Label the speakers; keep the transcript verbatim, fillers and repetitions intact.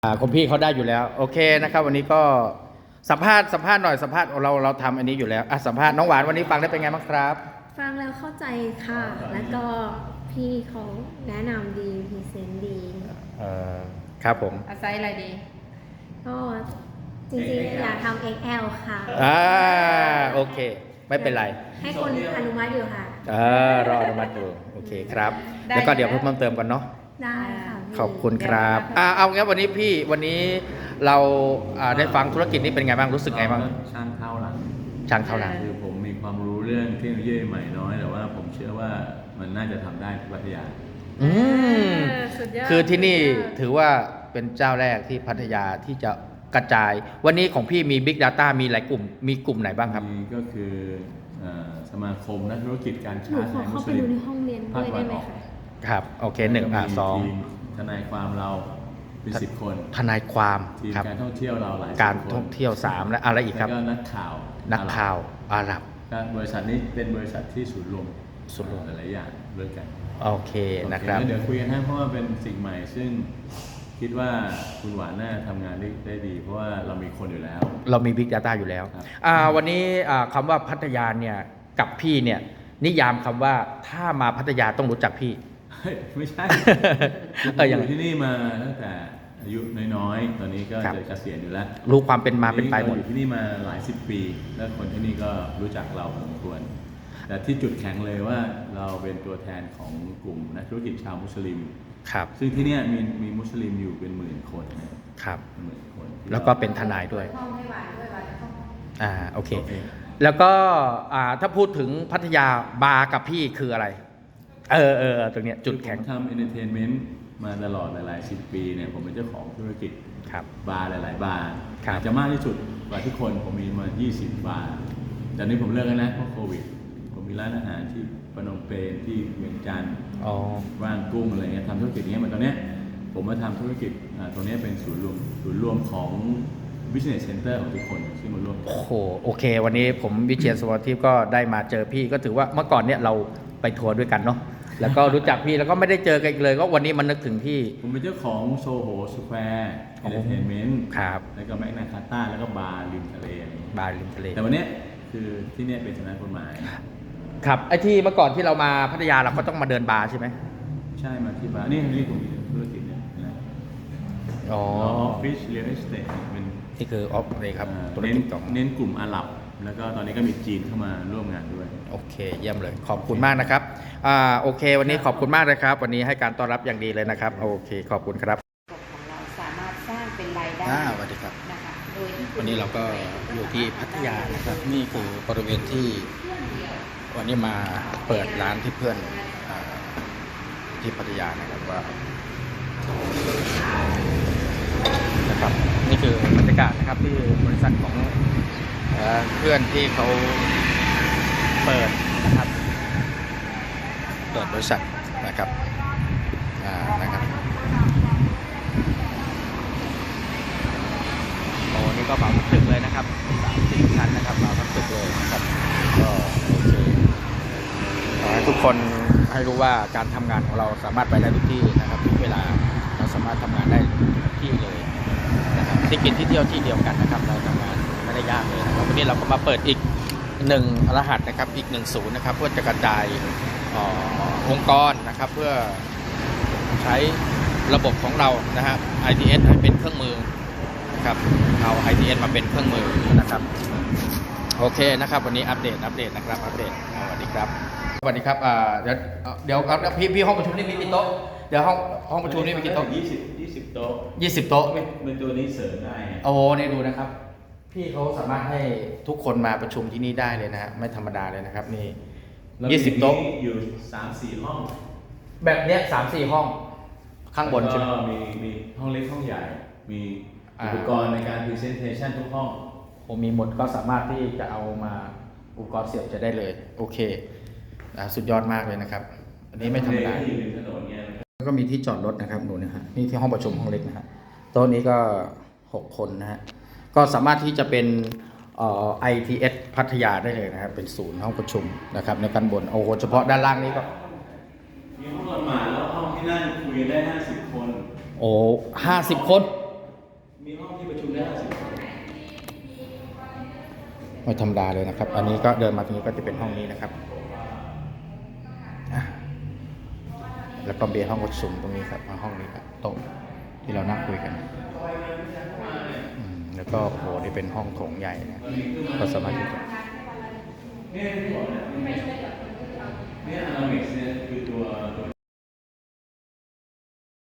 Speaker 1: อ่าคุณพี่เขาได้อยู่แล้วโอเคนะครับวันนี้ก็สัมภาษณ์สัมภาษณ์หน่อยสัมภาษณ์เราเราทำอันนี้อยู่แล้วอ่ะสัมภาษณ์น้องหวานวันนี้ฟังได้เป็นไงบ้างครับ
Speaker 2: ฟังแล้วเข้าใจค่ะ แล้วก็พี่เขาแนะนำดีพรีเซนต์ดี
Speaker 1: เอ่อครับผม
Speaker 3: อาศัยอะไรดี
Speaker 2: ก็จริงๆอยากทำ เอ็กซ์ แอล ค่ะ
Speaker 1: อ่าโอเคไม่เป็นไร
Speaker 2: ให้คนอนุมัติอยู่ค่ะ
Speaker 1: เออรออนุมัติอยู่โอเคครับแล้วก็เดี๋ยวเพิ่มเติมกันเนาะ
Speaker 2: ได้ค่ะ
Speaker 1: ขอบคุณครับอ่าเอางั้นวันนี้พี่วันนี้เราอ่าได้ฟังธุรกิจนี้เป็นไงบ้างรู้สึกไงบ้าง
Speaker 4: ช่างเท่าหลัง
Speaker 1: ช่างเท่าหลัง
Speaker 4: คือผมมีความรู้เรื่องเทคโนโลยีใหม่น้อยแต่ว่าผมเชื่อว่ามันน่าจะทำได้ที่พัทยา
Speaker 1: อืมคือที่นี่ถือว่าเป็นเจ้าแรกที่พัทยาที่จะกระจายวันนี้ของพี่มี Big Data มีหลายกลุ่มมีกลุ่มไหนบ้างครับ
Speaker 4: ก็คือสมาคมนักธุรกิจการค้าไทยมุสลิม
Speaker 2: เข้าไปดูในห้องเรียนด้วยได้ไหมคะ
Speaker 1: ครับโอเคหนึ่งอ่ะสอง
Speaker 4: ทนายความเราเป็นสิบคน
Speaker 1: ทนายความ
Speaker 4: ทีมการท่องเที่ยวเราหลาย
Speaker 1: การท่องเที่ยวสามและอะไรอีกครับ
Speaker 4: แล้วก็นักข่าว
Speaker 1: นักข่าวอาหรั
Speaker 4: บบริษัทนี้เป็นบริษัทที่ศูนย์รวม
Speaker 1: ศูนย์รวม
Speaker 4: หลายอย่างด้วยกัน
Speaker 1: โอเคนะครับ
Speaker 4: เดี๋ยวคุยกันให้เพราะว่าเป็นสิ่งใหม่ซึ่งคิดว่าคุณหวานน่าทำงานได้ได้ดีเพราะว่าเรามีคนอยู่แล้ว
Speaker 1: เรามี Big Data อยู่แล้วอ่าวันนี้อ่าคำว่าพัทยาเนี่ยกับพี่เนี่ยนิยามคำว่าถ้ามาพัทยาต้องรู้จักพี่
Speaker 4: ไม่ใช่อยู่ที่นี่มาตั้งแต่อายุน้อยๆตอนนี้ก็จะเกษียณอยู่แล้ว
Speaker 1: รู้ความเป็นมาเป็นไปหมด
Speaker 4: อยู่ที่นี่มาหลายสิบปีแล้วคนที่นี่ก็รู้จักเราพอสมควรแต่ที่จุดแข็งเลยว่าเราเป็นตัวแทนของกลุ่มนักธุรกิจชาวมุสลิม
Speaker 1: ครับ
Speaker 4: ซึ่งที่นี่มีมีมุสลิมอยู่เป็นหมื่นคน
Speaker 1: ครับ
Speaker 4: หมื่นคน
Speaker 1: แล้วก็เป็นทนายด้วยอ่าโอเคแล้วก็อ่าถ้าพูดถึงพัทยาบาร์กับพี่คืออะไรเออเออตรงเนี้ยจุดแข็ง
Speaker 4: ผมทำเอนเตอร์เทนเมนต์มาตลอดหลายสิบปีเนี่ยผมเป็นเจ้าของธุรกิจบาร์หลายๆบาร์อาจจะมากที่สุดกว่าทุกคนผมมีมายี่สิบบาร์แต่นี้ผมเลิกแล้วนะเพราะโควิดผมมีร้านอาหารที่ปนมเปญที่เวียงจันทร์ว่างกุ้งอะไรเงี้ยทำธุรกิจอย่างเงี้ยเหมือนตอนเนี้ยผมมาทำธุรกิจตรงนี้เป็นศูนย์รวมศูนย์รวมของ business center ของทุกคนที่มาร่วม
Speaker 1: โอ้โหโอเควันนี้ผมวิเชียรสวัสดิ์ทิพย์ก็ได้มาเจอพี่ก็ถือว่าเมื่อก่อนเนี่ยเราไปทัวร์ด้วยกันเนาะแล้วก็รู้จักพี่แล้วก็ไม่ได้เจอกันอีกเลยก็วันนี้มันนึกถึงพี่
Speaker 4: ผมเป็นเจ้าของโซโหสแควร์เอนเตอร์เทนเมนต์
Speaker 1: ครับ
Speaker 4: แล้วก็แมกนาคาต้าแล้วก็บาร์ริมทะเล
Speaker 1: บาร์ริมทะเล
Speaker 4: แต่วันนี้คือที่นี่เป็นสำนักกฎหมาย
Speaker 1: ครับไอ้ที่เมื่อก่อนที่เรามาพัทยาเราก็ต้องมาเดินบาร์ใช่ไหม
Speaker 4: ใช่มาที่บาร์นี่นี่ผมมีธุรกิจเนี่ยนะ
Speaker 1: อ๋อ
Speaker 4: ออฟฟิศเรียลเอสเตทเป็น
Speaker 1: นี่คือออฟเลยครับ
Speaker 4: ธุรกิจของเน้นกลุ่มอาหรับแล้วก็ตอนนี้ก็มีจีนเข้ามาร่วมงานด้วย
Speaker 1: โอเคเยี่ยมเลยขอบคุณมากนะครับอ่าโอเควันนี้ขอบคุณมากเลยครับวันนี้ให้การต้อนรับอย่างดีเลยนะครับโอเคขอบคุณครับ
Speaker 3: ของเราสามารถสร้างเป็นรายได้
Speaker 1: สวัสดีครับ
Speaker 3: นะคะโดย
Speaker 1: วันนี้เราก็อยู่ที่พัทยานะครับนี่คือบริเวณที่วันนี้มาเปิดร้านที่เพื่อนที่พัทยานะครับว่านะครับนี่คือบรรยากาศนะครับที่บริษัทของเพื่อนที่เขาเปิดนะครับเปิดบริษัทนะครับอ่านะครับโอ้นี่ก็เหมาทั้งตึกเลยนะครับสามสี่ชั้นนะครับเหมาทั้งตึกเลยนะครับก็โอเคขอให้ทุกคนให้รู้ว่าการทำงานของเราสามารถไปได้ทุกที่นะครับทุกเวลาเราสามารถทำงานได้ทุกที่เลยนะครับที่กินที่เที่ยวที่เดียวกันนะครับเราทำงานไม่ได้ยากเลยนะครับวันนี้เราก็มาเปิดอีกหนึ่งรหัสนะครับอีกหนึ่งศูนย์นะครับเพื่อจะกระจายองค์กรนะครับเพื่อใช้ระบบของเรานะฮะ ไอ ที เอส ให้เป็นเครื่องมือนะครับเอา ไอ ที เอส มาเป็นเครื่องมือนะครับโอเคนะครับวันนี้อัปเดตอัปเดตนะครับอัปเดตสวัสดีครับสวัสดีครับอ่าเดี๋ยวเดี๋ยวครับพี่พี่ห้องประชุมนี่มีกี่โต๊ะเดี๋ยวห้องห้องประชุมนี่มีกี่โต๊ะ
Speaker 4: ยี่สิบยี่สิบโต๊ะ
Speaker 1: ยี่สิบโต๊ะ
Speaker 4: เป็นตัวนี้เสริมได้
Speaker 1: โอ้นี่ดูนะครับพี่เขาสามารถให้ทุกคนมาประชุมที่นี่ได้เลยนะฮะไม่ธรรมดาเลยนะครับนี่ยี่สิบโต๊ะ
Speaker 4: อยู่สามสี่ห้อง
Speaker 1: แบบเนี้ยสามสี่ห้องข้างบนใช่ไหม
Speaker 4: มีมีห้องเล็กห้องใหญ่มีอุปกรณ์ในการ presentation ทุกห้อง
Speaker 1: ผมมีหมดก็สามารถที่จะเอามาอุปกรณ์เสียบจะได้เลยโอเคสุดยอดมากเลยนะครับอันนี้ไม่ธรรมดาแล้วก็มีที่จอดรถนะครับดูนะฮะนี่ที่ห้องประชุมห้องเล็กนะฮะโต๊ะนี้ก็หกคนนะฮะก็สามารถที่จะเป็นเอ่อ ไอ ที เอส พัทยาได้เลยนะครับเป็นศูนย์ห้องประชุมนะครับในการบนโอ้โหเฉพาะด้านล่างนี้ก็
Speaker 4: มีห้องละหมาดแล้วห้องที่นั่งคุยได้ห้าสิบคน
Speaker 1: โอ้ห้าสิบคน
Speaker 4: มีห้องที่ประชุมได้ห้าสิบคน
Speaker 1: ไม่ธรรมดาเลยนะครับ อันนี้ก็เดินมาตรงนี้ก็จะเป็นห้องนี้นะครับอ่ะแล้วก็เบียร์ห้องประชุมตรงนี้ครับห้องนี้ครับโต๊ะที่เรานั่งคุยกันอืมแล้วก็โอ้โหนี่เป็นห้องโถงใหญ่นะก็สามารถที่จะ
Speaker 4: เนี่ยที่บอกเนี่ยเนี่ยอนามิกส์เนี่ยคือตัว